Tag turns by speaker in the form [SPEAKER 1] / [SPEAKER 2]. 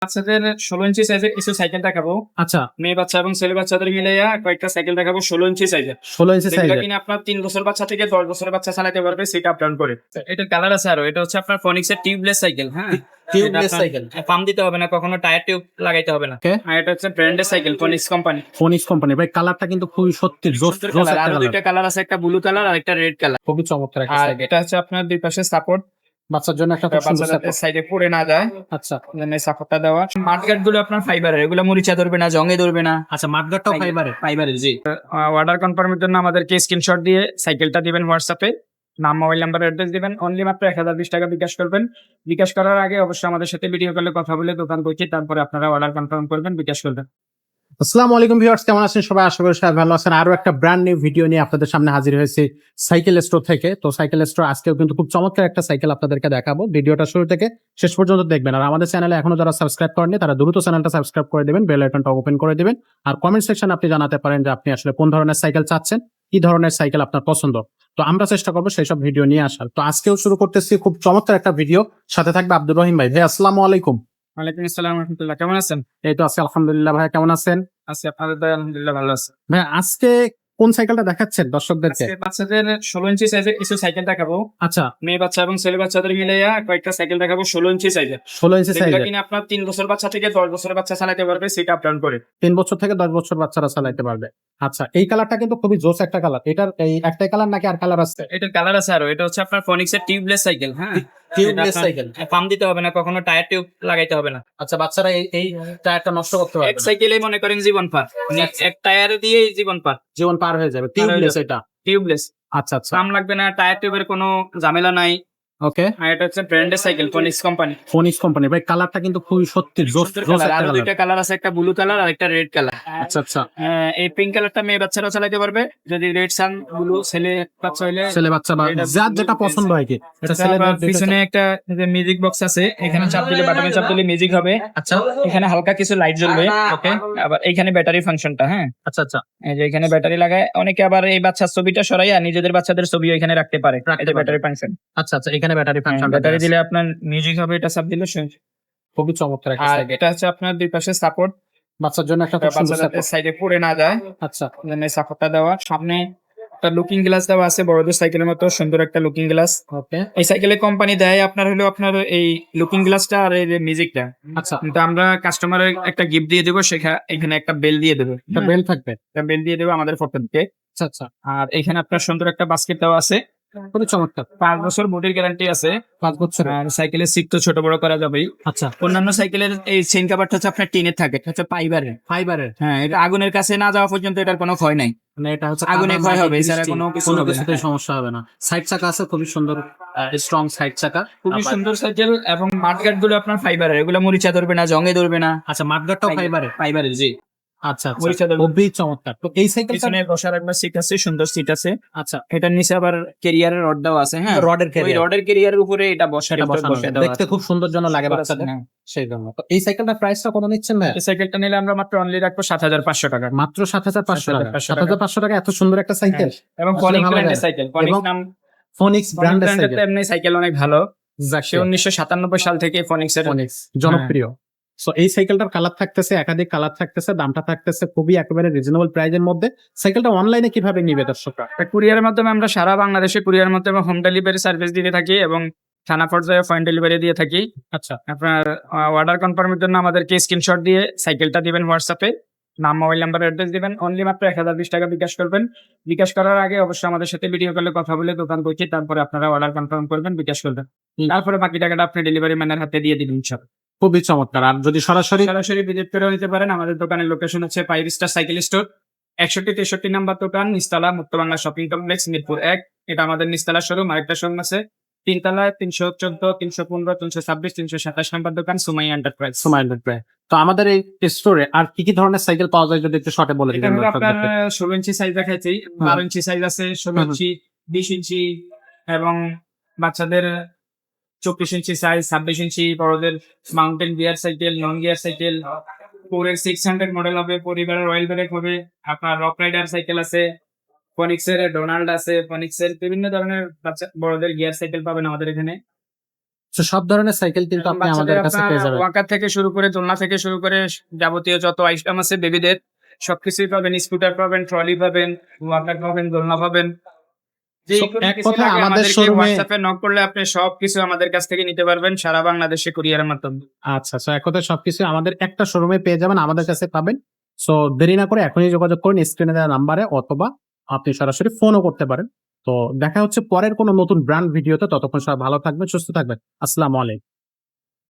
[SPEAKER 1] বাচ্চাদের 16 ইঞ্চি সাইজের কিছু সাইকেল দেখাবো।
[SPEAKER 2] আচ্ছা,
[SPEAKER 1] মেয়ে বাচ্চা এবং ছেলে বাচ্চাদের মিলাইয়া কয়েকটা সাইকেল দেখাবো 16 ইঞ্চি সাইজের।
[SPEAKER 2] 16 ইঞ্চি
[SPEAKER 1] যেগুলো
[SPEAKER 2] সাইজের।
[SPEAKER 1] কিনা আপনার 3 বছর বাচ্চা থেকে 10 বছরের বাচ্চা চালাতে পারবে সেট আপ ডাউন করে। এটার কালার আছে আরো। এটা হচ্ছে আপনার ফনিক্সের টিউবলেস সাইকেল, হ্যাঁ?
[SPEAKER 2] Tubeless cycle.
[SPEAKER 1] পাম্প দিতে হবে না, কখনো টায়ার টিউব লাগাইতে হবে না।
[SPEAKER 2] Okay.
[SPEAKER 1] আর এটা হচ্ছে ব্র্যান্ডের cycle Phoenix company.
[SPEAKER 2] Phoenix company ভাই, কালারটা কিন্তু খুবই সত্যি জোস
[SPEAKER 1] সুন্দর
[SPEAKER 2] জোস
[SPEAKER 1] কালার।
[SPEAKER 2] একটা
[SPEAKER 1] আরো
[SPEAKER 2] কালার।
[SPEAKER 1] দুইটা কালার আছে, একটা ব্লু কালার আর একটা রেড কালার।
[SPEAKER 2] খুবই চমৎকার একটা
[SPEAKER 1] আর
[SPEAKER 2] সাইকেল।
[SPEAKER 1] এটা হচ্ছে আপনার দুই পাশে সাপোর্ট,
[SPEAKER 2] বাচ্চার জন্য একটা খুব সুন্দর
[SPEAKER 1] বাচ্চাদের
[SPEAKER 2] সাপোর্ট।
[SPEAKER 1] সাইডে পড়ে না যায়,
[SPEAKER 2] আচ্ছা
[SPEAKER 1] জন্য সাপোর্টটা দেওয়া। মাঠগার্ড গুলো আপনার ফাইবারের, এগুলো মরিচা ধরবে না, জঙ্গে ধরবে না।
[SPEAKER 2] আচ্ছা, মাঠগার্ডটাও ফাইবারের।
[SPEAKER 1] ফাইবারের, জি। অর্ডার কনফার্মের জন্য আমাদেরকে স্ক্রিনশট দিয়ে সাইকেলটা দিবেন হোয়াটসঅ্যাপে, নাম, মোবাইল নাম্বার, অ্যাড্রেস দিবেন। অনলি মাত্র 1020 টাকা বিকাশ করবেন। বিকাশ করার আগে অবশ্যই আমাদের সাথে ভিডিও কলে কথা বলে দোকান করছি, তারপরে আপনারা অর্ডার কনফার্ম করবেন, বিকাশ করবেন।
[SPEAKER 2] আসসালামু আলাইকুম ভিউয়ার্স, কেমন আছেন সবাই? আশা করি সবাই ভালো আছেন। আরো একটা ব্র্যান্ড নিউ ভিডিও নিয়ে আপনাদের সামনে হাজির হয়েছি সাইকেল স্টোর থেকে। তো সাইকেল স্টোর আজকেও কিন্তু খুব চমৎকার একটা সাইকেল আপনাদেরকে দেখাবো। ভিডিওটা শুরু থেকে শেষ পর্যন্ত দেখবেন। আর আমাদের চ্যানেলে এখনো যারা সাবস্ক্রাইব করেননি তারা দ্রুত চ্যানেলটা সাবস্ক্রাইব করে দিবেন, বেল আইকনটা ওপেন করে দিবেন। আর কমেন্ট সেকশনে আপনি জানাতে পারেন যে আপনি আসলে কোন ধরনের সাইকেল চাচ্ছেন, কি ধরনের সাইকেল আপনার পছন্দ। তো আমরা চেষ্টা করবো সেই সব ভিডিও নিয়ে আসার। তো আজকেও শুরু করতেছি খুব চমৎকার একটা ভিডিও, সাথে থাকবে আব্দুর রহিম ভাই। ভাই আসসালামু আলাইকুম।
[SPEAKER 1] ওয়ালাইকুম আসসালাম রহমতুল্লাহ, কেমন আছেন?
[SPEAKER 2] এই তো আছি আলহামদুলিল্লাহ। ভাই কেমন আছেন?
[SPEAKER 1] আছি, আপনাদের দয়ায় আলহামদুলিল্লাহ ভালো আছে।
[SPEAKER 2] ভাই আজকে কোন সাইকেলটা দেখাচ্ছেন দর্শকদেরকে?
[SPEAKER 1] আজকে বাচ্চাদের 16 ইঞ্চি সাইজের কিছু সাইকেল দেখাবো।
[SPEAKER 2] আচ্ছা,
[SPEAKER 1] মেয়ে বাচ্চা এবং ছেলে বাচ্চাদের মিলাইয়া কয়েকটা সাইকেল দেখাবো 16 ইঞ্চি সাইজের।
[SPEAKER 2] 16 ইঞ্চি
[SPEAKER 1] যেগুলো
[SPEAKER 2] সাইজের।
[SPEAKER 1] কিনা আপনার 3 বছর বাচ্চা থেকে 10 বছরের বাচ্চা চালাতে পারবে সেট আপ ডাউন করে।
[SPEAKER 2] 3 বছর থেকে 10 বছর বাচ্চারা চালাইতে পারবে। আচ্ছা, এই কালারটা কিন্তু খুবই জোস একটা কালার। এটার এই একটাই কালার নাকি আর কালার আছে?
[SPEAKER 1] এটার কালার আছে আরো। এটা হচ্ছে আপনার ফনিক্সের টিউবলেস সাইকেল, হ্যাঁ?
[SPEAKER 2] Tubeless cycle.
[SPEAKER 1] পাম্প দিতে হবে না, কখনো টায়ার টিউব লাগাইতে হবে না।
[SPEAKER 2] আচ্ছা, বাচ্চারা এই টায়ারটা নষ্ট করতে
[SPEAKER 1] এক
[SPEAKER 2] পারবে না।
[SPEAKER 1] সাইকেলে মনে করেন জীবন পার, মানে এক টায়ারে দিয়েই জীবন পার।
[SPEAKER 2] জীবন পার হয়ে যাবে। টিউবলেস এটা।
[SPEAKER 1] টিউবলেস,
[SPEAKER 2] আচ্ছা আচ্ছা,
[SPEAKER 1] পাম্প লাগবে না, টায়ার টিউবের কোনো ঝামেলা নাই।
[SPEAKER 2] ওকে।
[SPEAKER 1] আর এটা হচ্ছে ব্র্যান্ডের cycle Phoenix company.
[SPEAKER 2] Phoenix company ভাই, কালারটা কিন্তু খুবই সত্যি জোস
[SPEAKER 1] সুন্দর
[SPEAKER 2] জোস
[SPEAKER 1] কালার।
[SPEAKER 2] একটা
[SPEAKER 1] আরো
[SPEAKER 2] কালার।
[SPEAKER 1] দুইটা কালার আছে, একটা ব্লু কালার আর একটা রেড কালার।
[SPEAKER 2] আচ্ছা আচ্ছা,
[SPEAKER 1] এই পিঙ্ক কালারটা মেয়ে বাচ্চারা চালাতে পারবে, যদি রেড সান ব্লু ছেলে বাচ্চা হইলে
[SPEAKER 2] ছেলে বাচ্চা বা
[SPEAKER 1] এটা
[SPEAKER 2] যার যেটা পছন্দ হয় কি। এটা ছেলে
[SPEAKER 1] আবার পিছনে একটা মিউজিক বক্স আছে, এখানে চাপ দিলে, বাটনে চাপ দিলে মিউজিক হবে।
[SPEAKER 2] আচ্ছা
[SPEAKER 1] এখানে হালকা কিছু লাইট জ্বলবে, ওকে। আবার এখানে ব্যাটারি ফাংশনটা, হ্যাঁ,
[SPEAKER 2] আচ্ছা আচ্ছা,
[SPEAKER 1] এই যে এখানে ব্যাটারি লাগায়। অনেকে আবার এই বাচ্চার ছবিটা সরাইয়া নিজেদের বাচ্চাদের ছবি এখানে রাখতে পারে,
[SPEAKER 2] রাখতে
[SPEAKER 1] এটা
[SPEAKER 2] পারে।
[SPEAKER 1] Battery function.
[SPEAKER 2] আচ্ছা আচ্ছা, এখানে ব্যাটারি ফাংশন।
[SPEAKER 1] ব্যাটারি দিলে আপনার মিউজিক হবে, এটা চাপ দিলে
[SPEAKER 2] খুবই চমৎকার একটা
[SPEAKER 1] আর
[SPEAKER 2] সাইকেল।
[SPEAKER 1] এটা হচ্ছে আপনার দুই পাশে সাপোর্ট,
[SPEAKER 2] বাচ্চার জন্য একটা খুব সুন্দর
[SPEAKER 1] বাচ্চাদের
[SPEAKER 2] সাপোর্ট।
[SPEAKER 1] সাইডে পড়ে না যায়,
[SPEAKER 2] আচ্ছা,
[SPEAKER 1] জন্য সাপোর্টটা দেওয়া। সামনে একটা লুকিং গ্লাস দেওয়া আছে, বড়দের সাইকেলের মতো সুন্দর একটা লুকিং গ্লাস।
[SPEAKER 2] ওকে।
[SPEAKER 1] এই সাইকেলে কোম্পানি দেয় আপনার হলো আপনার এই লুকিং গ্লাসটা আর এই মিউজিকটা।
[SPEAKER 2] আচ্ছা,
[SPEAKER 1] কিন্তু আমরা কাস্টমারের একটা গিফট দিয়ে দেবো, এখানে একটা বেল দিয়ে দেবো,
[SPEAKER 2] একটা বেল থাকবে।
[SPEAKER 1] একটা বেল দিয়ে দেবো আমাদের পক্ষ থেকে।
[SPEAKER 2] আচ্ছা আচ্ছা,
[SPEAKER 1] আর এখানে আপনার সুন্দর একটা বাস্কেট দেওয়া আছে,
[SPEAKER 2] খুবই চমৎকার।
[SPEAKER 1] 5 বছর বডির গ্যারান্টি আছে।
[SPEAKER 2] 5 বছর।
[SPEAKER 1] আর সাইকেলের সিট তো ছোট বড় করা যাবেই।
[SPEAKER 2] আচ্ছা,
[SPEAKER 1] অন্যান্য সাইকেলের এই চেইন কাভারটা হচ্ছে আপনার টিনের থাকে, এটা হচ্ছে ফাইবারের।
[SPEAKER 2] ফাইবারের।
[SPEAKER 1] হ্যাঁ, এটা আগুনের কাছে না যাওয়া পর্যন্ত এটার কোনো ক্ষয় নাই।
[SPEAKER 2] মানে এটা হচ্ছে
[SPEAKER 1] আগুনে
[SPEAKER 2] কাদা,
[SPEAKER 1] ক্ষয়
[SPEAKER 2] মাটি,
[SPEAKER 1] হবে, এছাড়া
[SPEAKER 2] বৃষ্টি,
[SPEAKER 1] কোনো কিছু
[SPEAKER 2] কোনো
[SPEAKER 1] হবে না।
[SPEAKER 2] কিছুতেই সমস্যা হবে না। সাইড চাকা আছে খুবই সুন্দর, স্ট্রং সাইড চাকা।
[SPEAKER 1] খুবই সুন্দর সাইকেল। এবং মাঠগার্ড গুলো আপনার ফাইবারের, এগুলো মরিচা ধরবে না, জঙ্গে ধরবে না।
[SPEAKER 2] আচ্ছা, মাঠগার্ডটাও ফাইবারের।
[SPEAKER 1] ফাইবারের, জি।
[SPEAKER 2] আচ্ছা আচ্ছা,
[SPEAKER 1] মরিচা ধরবে।
[SPEAKER 2] খুবই চমৎকার। তো এই সাইকেলটা,
[SPEAKER 1] পিছনে বসার একবার সিট আছে, সুন্দর সিট আছে।
[SPEAKER 2] আচ্ছা,
[SPEAKER 1] এটার নিচে আবার ক্যারিয়ারের রড দেওয়া আছে, হ্যাঁ,
[SPEAKER 2] রডের
[SPEAKER 1] ওই
[SPEAKER 2] ক্যারিয়ার,
[SPEAKER 1] রডের ক্যারিয়ারের উপরে এটা
[SPEAKER 2] সেটা বসানো
[SPEAKER 1] বসে
[SPEAKER 2] আছে।
[SPEAKER 1] দেওয়া
[SPEAKER 2] দেখতে
[SPEAKER 1] আছে।
[SPEAKER 2] খুব সুন্দর জন্য লাগে বাচ্চাদের,
[SPEAKER 1] হ্যাঁ।
[SPEAKER 2] সেই জন্য। তো এই সাইকেলটার প্রাইসটা কত নিচ্ছেন ভাই?
[SPEAKER 1] এই সাইকেলটা নিলে আমরা মাত্র অনলি রাখবো 7,500 টাকা।
[SPEAKER 2] মাত্র 7,500 টাকা।
[SPEAKER 1] 7,500
[SPEAKER 2] 7,500 টাকা এত সুন্দর একটা সাইকেল।
[SPEAKER 1] এবং
[SPEAKER 2] আসলে
[SPEAKER 1] ফনিক্স
[SPEAKER 2] ভালো
[SPEAKER 1] ব্র্যান্ডের
[SPEAKER 2] যায়।
[SPEAKER 1] সাইকেল, ফনিক্স
[SPEAKER 2] এবং
[SPEAKER 1] নাম,
[SPEAKER 2] ফোনিক্স ব্র্যান্ডের
[SPEAKER 1] ব্র্যান্ডের
[SPEAKER 2] সাইকেল।
[SPEAKER 1] তো এমনি সাইকেল অনেক ভালো। সে
[SPEAKER 2] Exactly,
[SPEAKER 1] 1997 সাল থেকে ফনিক্স এর
[SPEAKER 2] ফোনিক্স জনপ্রিয়। সো এই সাইকেলটার কালার থাকতেছে, একাধিক কালার থাকতেছে, দামটা থাকতেছে খুবই একেবারে রিজনেবল প্রাইজের মধ্যে। সাইকেলটা অনলাইনে কিভাবে নিবে দর্শকরা?
[SPEAKER 1] কুরিয়ারের মাধ্যমে আমরা সারা বাংলাদেশে কুরিয়ারের মাধ্যমে হোম ডেলিভারি সার্ভিস দিতে থাকি এবং থানা পর্যায়ে পয়েন্ট ডেলিভারি দিয়ে থাকি।
[SPEAKER 2] আচ্ছা,
[SPEAKER 1] আপনার অর্ডার কনফার্মের জন্য আমাদেরকে স্ক্রিনশট দিয়ে সাইকেলটা দিবেন হোয়াটসঅ্যাপে, নাম, মোবাইল নাম্বার, অ্যাড্রেস দিবেন। অনলি মাত্র 1020 টাকা বিকাশ করবেন। বিকাশ করার আগে অবশ্যই আমাদের সাথে ভিডিও কলে কথা বলে দোকান করছি, তারপরে আপনারা অর্ডার কনফার্ম করবেন, বিকাশ করবেন। তারপরে বাকি টাকাটা আপনি ডেলিভারি ম্যানের হাতে দিয়ে দিবেন ইনশাআল্লাহ।
[SPEAKER 2] খুবই চমৎকার। আর যদি সরাসরি
[SPEAKER 1] সরাসরি ভিজিট করে নিতে পারেন। আমাদের দোকানের লোকেশন হচ্ছে 5 স্টার সাইকেল স্টোর, 61-63 নাম্বার দোকান, নিচতলা, মুক্ত বাংলা শপিং কমপ্লেক্স, মিরপুর 1। এটা আমাদের নিচতলা শোরুম। আরেকটা শোরুম আছে তিনতলায়, 314, 315, 326, 327 নাম্বার দোকান, সুমাইয়া এন্টারপ্রাইজ।
[SPEAKER 2] সময় লাগবে। তো আমাদের এই স্টোরে আর কি কি ধরনের সাইকেল পাওয়া যায় যদি একটু শর্টে বলে
[SPEAKER 1] এটা
[SPEAKER 2] দিবেন
[SPEAKER 1] হলো আপনার
[SPEAKER 2] দর্শকদেরকে?
[SPEAKER 1] 16 ইঞ্চি সাইজ দেখাচ্ছি, 12 ইঞ্চি সাইজ আছে, 16 ইঞ্চি, 20 ইঞ্চি এবং বাচ্চাদের 24 ইঞ্চি সাইজ, 26 ইঞ্চি, বড়দের mountain gear cycle, non gear cycle, 4 600 model হবে, পরিবারের রয়্যাল ব্রেক হবে। আপনার রক রাইডার সাইকেল আছে, ফনিক্সের ডোনাল্ড আছে, ফনিক্সের বিভিন্ন ধরনের বাচ্চা বড়দের গিয়ার সাইকেল পাবেন আমাদের এখানে।
[SPEAKER 2] তো সব ধরনের সাইকেল কিন্তু আপনি আমাদের কাছে পেয়ে যাবেন।
[SPEAKER 1] ওয়াকার থেকে শুরু করে দোলনা থেকে শুরু করে যাবতীয় যত আইটেম আছে বেবিদের সবকিছুই পাবেন। স্কুটার পাবেন, ট্রলি পাবেন, ওয়াকার পাবেন, দোলনা পাবেন। যে
[SPEAKER 2] So,
[SPEAKER 1] কোনো
[SPEAKER 2] এক
[SPEAKER 1] কিছু
[SPEAKER 2] কথায়
[SPEAKER 1] লাগে
[SPEAKER 2] আমাদের
[SPEAKER 1] আমাদেরকে
[SPEAKER 2] শোরুমে
[SPEAKER 1] হোয়াটসঅ্যাপে নক করলে আপনি সবকিছু আমাদের কাছ থেকে নিতে পারবেন সারা বাংলাদেশে কুরিয়ারের মাধ্যমে।
[SPEAKER 2] আচ্ছা, এক কথায় সবকিছু আমাদের একটা শোরুমে পেয়ে যাবেন, আমাদের কাছে পাবেন। সো দেরি না করে এখনই যোগাযোগ করুন স্ক্রিনে দেওয়া নাম্বারে, অথবা আপনি সরাসরি ফোনও করতে পারেন। তো দেখা হচ্ছে পরের কোনো নতুন ব্র্যান্ড ভিডিওতে। ততক্ষণ সবাই ভালো থাকবেন, সুস্থ থাকবেন। আসসালামু আলাইকুম।